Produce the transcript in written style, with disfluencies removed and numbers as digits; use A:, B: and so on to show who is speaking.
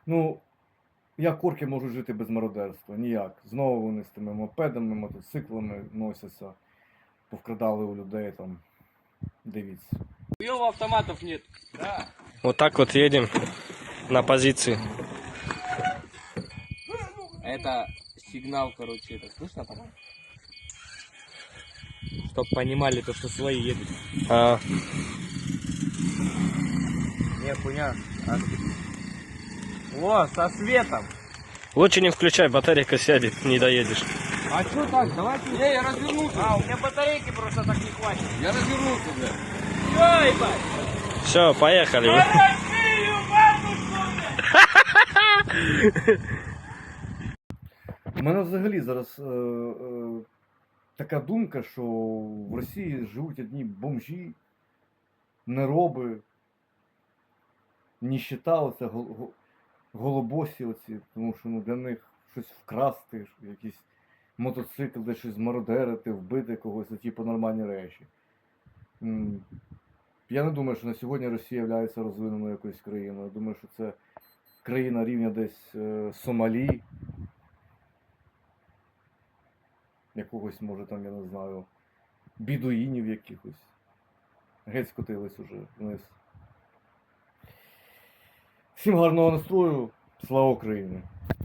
A: Ну, як орки можуть жити без мародерства? Ніяк. Знову вони з тими мопедами, мотоциклами носяться, повкрадали у людей там. Дивіться.
B: Его автоматов нет. Да.
C: Вот так вот едем на позиции.
B: Это сигнал, короче, это слышно там? Чтоб понимали то, что свои едут.
C: А,
B: Не, хуйня. О, со светом.
C: лучше не включай, батарейка сядет, не доедешь.
B: А что так? Давайте. Не, я развернулся. А, у меня батарейки просто так не хватит. Я развернулся, блядь. Всё, ебать.
C: Все, поехали.
B: Россию, матушку!
A: У мене взагалі зараз така думка, що в Росії живуть одні бомжі, нероби, ніщета, оця голобосі оці, тому що для них щось вкрасти, якийсь мотоцикл, де щось змародерити, вбити когось, ті нормальні речі. Я не думаю, що на сьогодні Росія є розвиненою якоюсь країною. Я думаю, що це країна рівня десь Сомалі, якогось, може там, я не знаю, бідуїнів якихось. Геть скотились уже вниз. Всім гарного настрою, слава Україні!